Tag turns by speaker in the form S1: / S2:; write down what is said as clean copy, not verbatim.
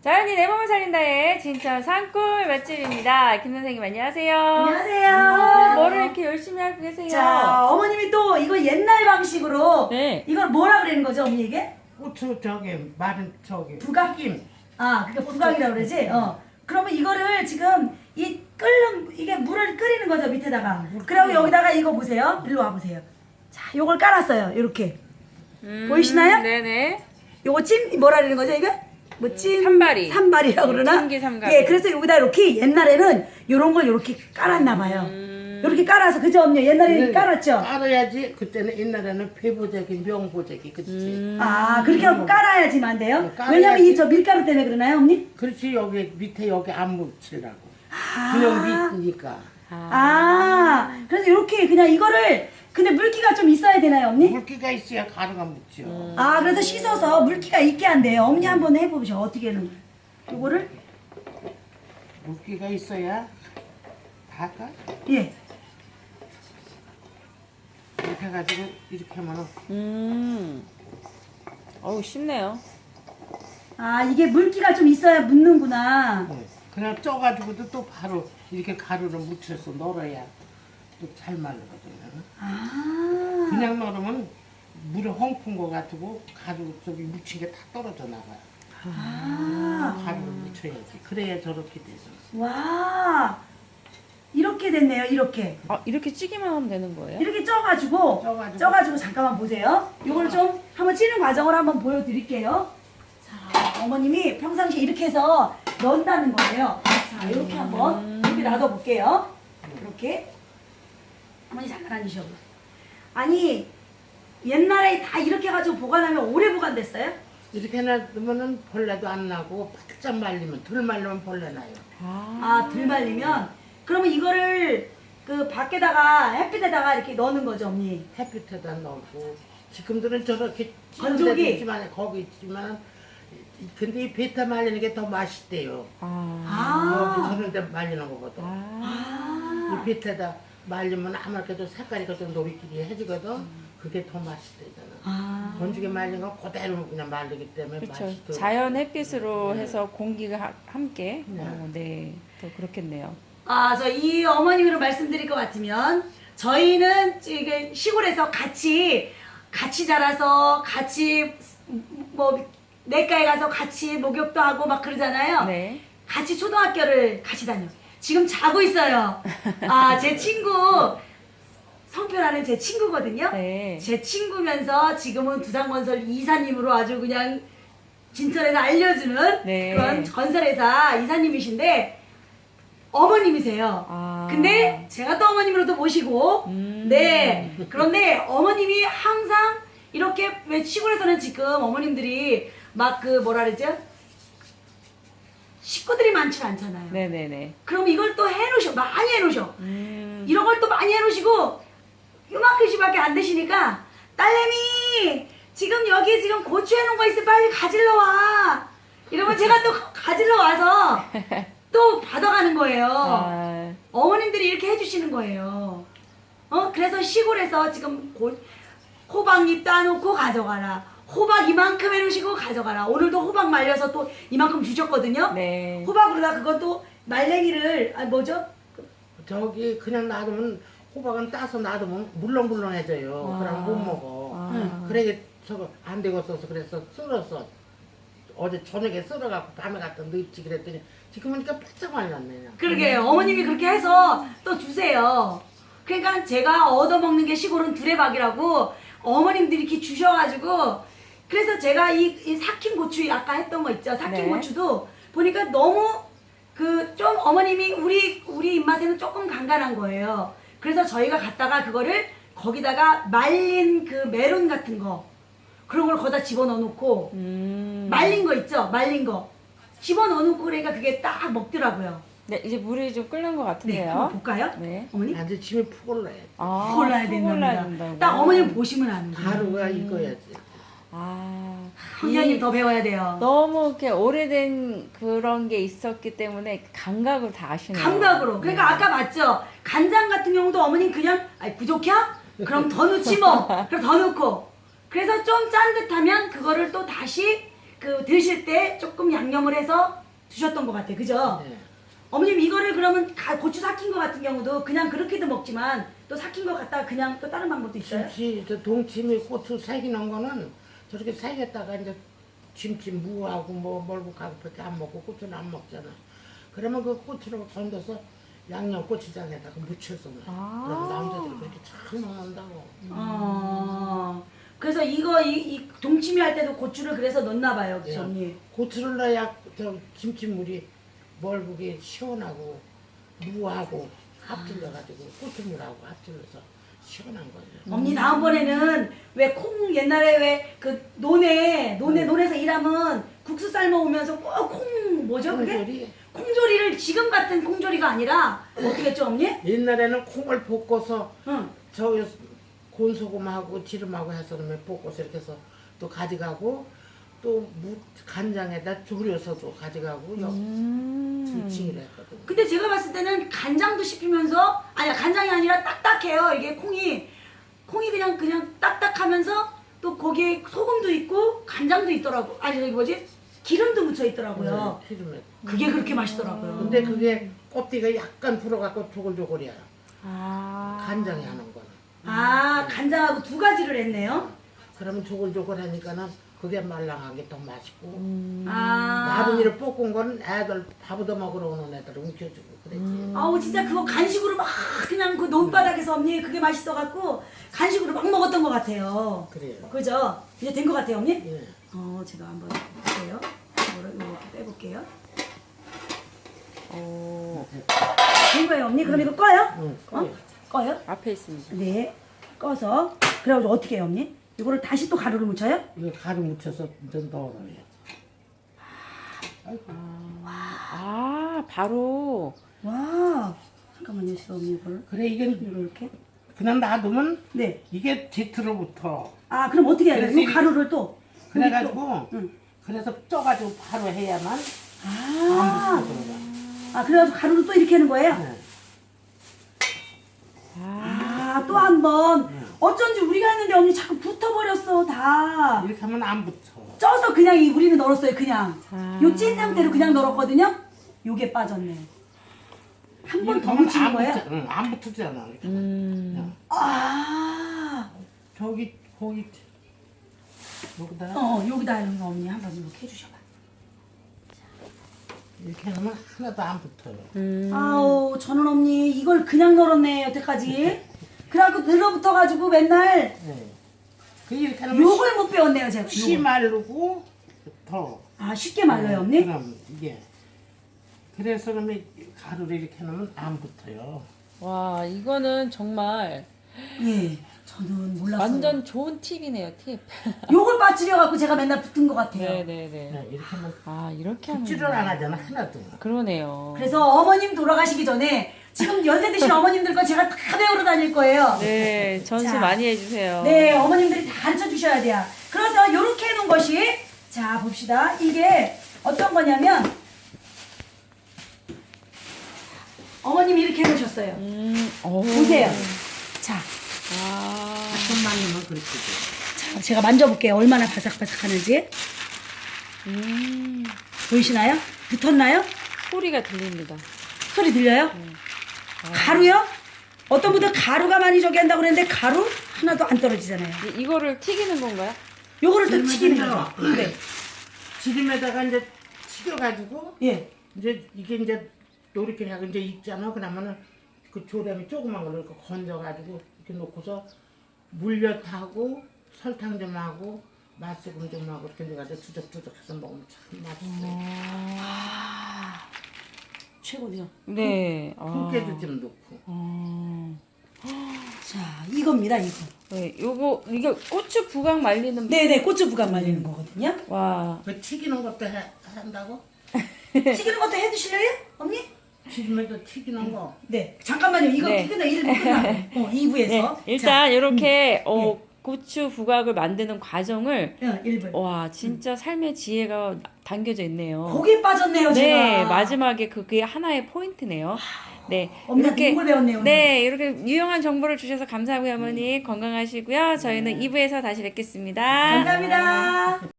S1: 자연이 내 몸을 살린다의 진천 산골 맛집입니다. 김 선생님 안녕하세요.
S2: 안녕하세요.
S1: 뭐를 이렇게 열심히 하고 계세요?
S2: 자, 어머님이 또 이거 옛날 방식으로
S1: 네.
S2: 이걸 뭐라 그러는 거죠, 어머니 이게?
S3: 고추 저기 마른 저기
S2: 부각?
S3: 튀김.
S2: 아, 그게 부각이라고 그러지? 그러면 이거를 지금 이 끓는 이게 물을 끓이는 거죠, 밑에다가. 그리고 여기다가 이거 보세요. 일로 와 보세요. 자, 요걸 깔았어요. 이렇게. 보이시나요?
S1: 네네.
S2: 요거 뭐라 그러는 거죠, 이게? 뭐
S1: 산발이.
S2: 산발이라고 그러나?
S1: 찜기 삼가리.
S2: 예, 그래서 여기다 이렇게 옛날에는 요런 걸 이렇게 깔았나 봐요. 이렇게 깔아서 그죠, 언니? 옛날에는 깔았죠?
S3: 깔아야지. 그때는 옛날에는 폐보자기 명보자기 그렇지.
S2: 아, 그렇게 하고 깔아야지만 안 돼요?
S3: 깔아야지.
S2: 왜냐면 이 저 밀가루 때문에 그러나요, 언니?
S3: 그렇지. 여기 밑에 여기 안 묻히라고.
S2: 아.
S3: 그냥 밑이니까.
S2: 아, 그래서 이렇게 그냥 이거를 근데 물기가 좀 있어야 되나요, 언니?
S3: 물기가 있어야 가루가 묻죠.
S2: 아, 그래서 씻어서 물기가 있게 한대요. 어머니 한번 해보셔. 어떻게 하는 거예요? 요거를
S3: 물기가 있어야 다가
S2: 예.
S3: 이렇게 해가지고 이렇게 하면은
S1: 어우 쉽네요.
S2: 아, 이게 물기가 좀 있어야 묻는구나.
S3: 그냥 쪄가지고도 또 바로 이렇게 가루를 묻혀서 널어야 또 잘 말르거든요.
S2: 아,
S3: 그냥 널으면 물에 헝푼 거 같고 가루 저기 묻힌 게 다 떨어져 나가요.
S2: 아,
S3: 가루를 묻혀야지. 그래야 저렇게 되죠.
S2: 와, 이렇게 됐네요. 이렇게.
S1: 이렇게 찌기만 하면 되는 거예요?
S2: 이렇게 쪄가지고 잠깐만 보세요. 요걸 좀 한번 찌는 과정을 한번 보여드릴게요. 자, 어머님이 평상시에 이렇게 해서 넣는다는 거예요. 자, 이렇게 한번 이렇게 놔둬볼게요. 이렇게. 어머니 잠깐 앉으셔. 아니, 옛날에 다 이렇게 해가지고 보관하면 오래 보관됐어요?
S3: 이렇게 놔두면은 벌레도 안 나고 바짝 말리면 덜 말리면 벌레 나요.
S2: 아, 덜 말리면? 그러면 이거를 그 밖에다가 햇빛에다가 이렇게 넣는 거죠, 언니?
S3: 햇빛에다 넣고 지금들은 저렇게
S2: 건조기?
S3: 찌는 데도 있지만 거기 있지만 근데 이 베타 말리는 게 더 맛있대요. 여기 저런 데 말리는 거거든. 이 베타에다 말리면 아무래도 색깔이 좀 노릇끼리해지거든. 그게 더 맛있대잖아. 건조기 말린 건 그대로 그냥 말리기 때문에
S1: 그렇죠.
S3: 맛있어.
S1: 자연 햇빛으로 해서 공기가 함께. 네. 더 그렇겠네요.
S2: 아, 저 이 어머님으로 말씀드릴 것 같으면 저희는 이게 시골에서 같이 자라서 같이 뭐 내과에 가서 같이 목욕도 하고 막 그러잖아요.
S1: 네.
S2: 같이 초등학교를 같이 다녀. 지금 자고 있어요. 아, 제 친구 성표라는 제 친구거든요.
S1: 네.
S2: 제 친구면서 지금은 두산건설 이사님으로 아주 그냥 진천에서 알려주는
S1: 네.
S2: 그런 건설회사 이사님이신데 어머님이세요. 근데 제가 또 어머님으로도 모시고 네, 그런데 어머님이 항상 이렇게 왜 시골에서는 지금 어머님들이 막 그 뭐라 그러죠? 식구들이 많지 않잖아요.
S1: 네네네.
S2: 그럼 이걸 또 해놓으셔. 많이 해놓으셔. 이런 걸 또 많이 해놓으시고 요만큼씩밖에 안 되시니까 딸내미 지금 여기 지금 고추 해놓은 거 있어 빨리 가질러 와. 이러면 제가 또 가질러 와서 또 받아가는 거예요. 어머님들이 이렇게 해주시는 거예요. 그래서 시골에서 지금 호박잎 따놓고 가져가라. 호박 이만큼 해놓으시고 가져가라. 오늘도 호박 말려서 또 이만큼 주셨거든요.
S1: 네.
S2: 호박으로다 그것도 말랭이를 뭐죠?
S3: 저기 그냥 놔두면 호박은 따서 놔두면 물렁물렁해져요. 그럼 못 먹어. 그래 저거 안 되겠어서 그래서 썰었어. 어제 저녁에 썰어갖고 밤에 갖다 넣지 그랬더니 지금 보니까 바짝 말랐네.
S2: 그러게 어머님이 그렇게 해서 또 주세요. 그러니까 제가 얻어먹는 게 시골은 두레박이라고 어머님들이 이렇게 주셔가지고 그래서 제가 이 삭힌 고추 아까 했던 거 있죠. 삭힌
S1: 네.
S2: 고추도 보니까 너무 그 좀 어머님이 우리 입맛에는 조금 간간한 거예요. 그래서 저희가 갖다가 그거를 거기다가 말린 그 메론 같은 거 그런 걸 거기다 집어넣어 놓고 말린 거 있죠. 말린 거 집어넣어 놓고 그러니까 그게 딱 먹더라고요.
S1: 네, 이제 물이 좀 끓는 것
S2: 네,
S1: 같은데요.
S2: 한번 볼까요?
S1: 네.
S2: 어머니?
S3: 아주 침이 푹 올라야 돼.
S2: 푹 올라야
S1: 된다고.
S2: 된답니다. 딱 어머님 보시면 아는 거예요.
S3: 가루가 익어야지.
S2: 훈련님 더 배워야 돼요.
S1: 너무 이렇게 오래된 그런 게 있었기 때문에 감각을 다 아시네요.
S2: 감각으로. 그러니까 아까 맞죠? 간장 같은 경우도 어머님 그냥 부족해? 그럼 더 넣지 뭐. 그럼 더 넣고. 그래서 좀 짠 듯하면 그거를 또 다시 그 드실 때 조금 양념을 해서 드셨던 것 같아요. 그죠?
S3: 네.
S2: 어머님 이거를 그러면 고추 삭힌 거 같은 경우도 그냥 그렇게도 먹지만 또 삭힌 거 갖다가 그냥 또 다른 방법도 있어요?
S3: 김치, 저 동치미, 고추 새기는 거는 저렇게 새겼다가 이제 김치 무하고 뭐 멀국하고밖에 안 먹고 고추는 안 먹잖아. 그러면 그 고추를 건져서 양념 고추장에다가 묻혀서 먹어. 그럼 남자들이 그렇게 잘 먹는다고.
S2: 그래서 이 동치미 할 때도 고추를 그래서 넣나 봐요,
S3: 예.
S2: 그죠, 언니?
S3: 고추를 넣어야 저 김치물이 멀국이 시원하고 무하고 합질러가지고 고추물하고 합질러서 시원한 거예요.
S2: 언니 다음번에는 왜 콩 옛날에 왜 그 논에서 일하면 국수 삶아 오면서 꼭 콩 뭐죠 그게?
S3: 콩조리.
S2: 콩조리를 지금 같은 콩조리가 아니라 어떻게 했죠 언니?
S3: 옛날에는 콩을 볶아서
S2: 응.
S3: 저 곤소금하고 기름하고 해서 그러면 볶아서 이렇게 해서 또 가져가고 또 간장에다 졸여서도 가져가고 징을 했거든.
S2: 근데 제가 봤을 때는 간장도 씹히면서 아니 간장이 아니라 딱딱해요. 이게 콩이 그냥 딱딱하면서 또 거기에 소금도 있고 간장도 있더라고. 아니 저기 뭐지? 기름도 묻혀 있더라고요.
S3: 네, 기름에.
S2: 그게 그렇게 맛있더라고요.
S3: 근데 그게 껍데기가 약간 불어갖고 조글조글이야.
S1: 아.
S3: 간장이 하는 거는.
S2: 아 간장하고 두 가지를 했네요.
S3: 그러면 조글조글하니까는 그게 말랑하게 더 맛있고.
S2: 아.
S3: 마른이를 볶은 거는 애들 밥 얻어 먹으러 오는 애들 움켜주고 그랬지.
S2: 아우 진짜 그거 간식으로 막 그냥 그 논바닥에서 언니 그게 맛있어갖고 간식으로 막 먹었던 것 같아요.
S3: 그래요.
S2: 그죠? 이제 된 것 같아요 언니?
S3: 예.
S2: 제가 한번 볼게요. 이거를 이렇게 빼볼게요.
S1: 오.
S2: 된 거예요 언니? 그럼 이거 꺼요?
S3: 응, 꺼요.
S2: 꺼요?
S1: 앞에 있습니다.
S2: 네. 꺼서 그래가지고 어떻게 해요 언니? 이거를 다시 또 가루를 묻혀요?
S3: 이거 가루 묻혀서 좀 넣어놔야지.
S1: 아, 바로.
S2: 와 잠깐만요 제가 언니 이거를
S3: 그래 이게
S2: 이렇게
S3: 그냥 놔두면
S2: 네.
S3: 이게 뒤틀어 붙어.
S2: 아 그럼 어떻게 해야 돼요?
S3: 그래서
S2: 이 가루를 또 여기
S3: 그래가지고
S2: 또. 응.
S3: 그래서 쪄가지고 바로 해야만
S2: 아,
S3: 안 붙어 들어가.
S2: 그래가지고 가루를 또 이렇게 하는 거예요?
S3: 네.
S2: 또 한 번.
S3: 네.
S2: 어쩐지 우리가 했는데 언니 자꾸 붙어버렸어 다.
S3: 이렇게 하면 안 붙어.
S2: 쪄서 그냥 우리는 널었어요 그냥.
S1: 아.
S2: 요 찐 상태로 그냥 널었거든요. 요게 빠졌네. 한 번
S3: 이렇게
S2: 더
S3: 하면
S2: 묻히는
S3: 안
S2: 거예요?
S3: 붙어. 응, 안 붙으잖아. 이렇게 하면. 그냥
S2: 아.
S3: 거기 여기다
S2: 여기다 하는 거 언니 한번 이렇게 해주셔봐.
S3: 이렇게 하면 하나도 안 붙어요.
S2: 아우 저는 언니 이걸 그냥 널었네 여태까지. 그래갖고 늘어붙어가지고 맨날
S3: 네. 그 이렇게 하면
S2: 욕을 못 배웠네요 제가.
S3: 씨
S2: 요걸.
S3: 마르고 더.
S2: 아 쉽게 말려요 언니?
S3: 그럼 이게 그래서 그러면 가루를 이렇게 놓으면 안 붙어요.
S1: 와, 이거는 정말
S2: 예. 저는 몰랐어요.
S1: 완전 좋은 팁이네요, 팁.
S2: 욕을 빠뜨려갖고 제가 맨날 붙은 것 같아요.
S1: 네네네.
S3: 네, 이렇게 하면
S1: 아, 이렇게 하는
S3: 붙지를 안 하잖아 하나도.
S1: 그러네요.
S2: 그래서 어머님 돌아가시기 전에 지금 연세 드신 어머님들 거 제가 다 배우러 다닐 거예요.
S1: 네, 전수
S2: 자.
S1: 많이 해주세요.
S2: 네, 어머님들이 다 가르쳐 주셔야 돼요. 그래서 이렇게 해놓은 것이 자 봅시다. 이게 어떤 거냐면 어머님이 이렇게 해놓으셨어요. 보세요. 자,
S1: 아,
S3: 손만 넣으면 그렇게 돼.
S2: 자, 제가 만져볼게요. 얼마나 바삭바삭하는지. 보이시나요? 붙었나요?
S1: 소리가 들립니다.
S2: 소리 들려요? 가루요? 어떤 분들 가루가 많이 저기 한다고 그랬는데 가루 하나도 안 떨어지잖아요.
S1: 이거를 튀기는 건가요?
S2: 요거를 또
S3: 기름에
S2: 튀기는
S3: 튀겨요.
S2: 거죠. 네.
S3: 지름에다가 이제 튀겨가지고
S2: 예.
S3: 이제 이게 이제 노릇게 하고 이제 익잖아. 그러면은 그 조림이 조그만 걸로 이렇게 건져가지고 이렇게 놓고서 물엿하고 설탕 좀 하고 맛소금 좀 하고 이렇게 해가지고 투적투적해서 먹으면 참 맛있어요.
S2: 최고죠.
S1: 네.
S3: 콩깨도 좀 넣고.
S2: 자, 이겁니다, 이거.
S1: 네, 이게 고추 부각 말리는.
S2: 네네, 고추 부각 말리는 거거든요.
S1: 와.
S3: 그 튀기는 것도 한다고?
S2: 튀기는 것도 해주실래요, 언니?
S3: 지금에도 튀기는 거.
S2: 네. 잠깐만요, 이거
S1: 네.
S2: 끝나 1부 끝나고 2부에서.
S1: 네, 일단 이렇게 고추 부각을 만드는 과정을
S2: 1부.
S1: 와, 진짜 삶의 지혜가 담겨져 있네요.
S2: 거기에 빠졌네요,
S1: 네,
S2: 제가.
S1: 마지막에 그게 하나의 포인트네요. 네,
S2: 어머니한테 이걸 배웠네요, 오늘.
S1: 네, 이렇게 유용한 정보를 주셔서 감사하고요, 어머니. 건강하시고요. 저희는 2부에서 다시 뵙겠습니다.
S2: 감사합니다.